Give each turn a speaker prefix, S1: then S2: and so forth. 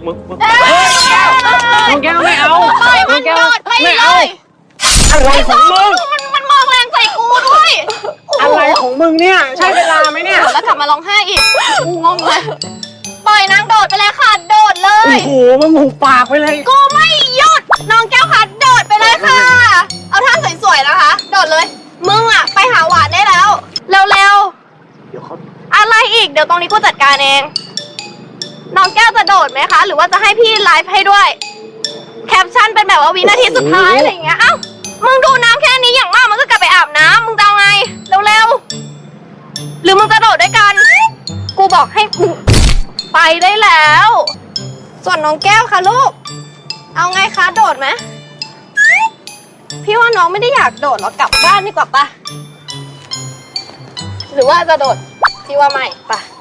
S1: น้องแก้วไม่เอา
S2: ปล่อยมันโดดไปเลย
S1: อะไรของมึง
S2: มันมองแรงใส่กูด้วย
S1: อะไรของมึงเนี่ยใช่เวลาไหมเนี่ย
S2: แล้วกลับมาร้องไห้อีกกูงงเลยปล่อยนางโดดไปเลยค่ะโดดเล
S1: โอ้
S2: ย
S1: โหมึงหุบปากไปเลย
S2: กูไม่หยุดน้องแก้วค่ะโดดไปเลยค่ะ เอาท่าสวยๆนะคะ โดดเลย มึงอะไปหาหวานได้แล้ว เร็วๆอะไรอีกเดี๋ยวตรงนี้กูจัดการเอง น้องแก้วจะโดดไหมคะ หรือว่าจะให้พี่ไลฟ์ให้ด้วย แคปชั่นเป็นแบบว่าวินาทีสุดท้ายอะไรอย่างเงี้ย เอ้า มึงดูน้ำแค่นี้อย่างมากมันก็กลับไปอาบน้ำมึงจะเอาไง เร็วๆ หรือมึงจะโดดด้วยกัน กูบอกให้มึงไปได้แล้ว ส่วนน้องแก้วค่ะลูก เอาไงคะโดดไหม พี่ว่าน้องไม่ได้อยากโดดหรอกกลับบ้านดีกว่าปะหรือว่าจะโดด พี่ว่าไม่ปะ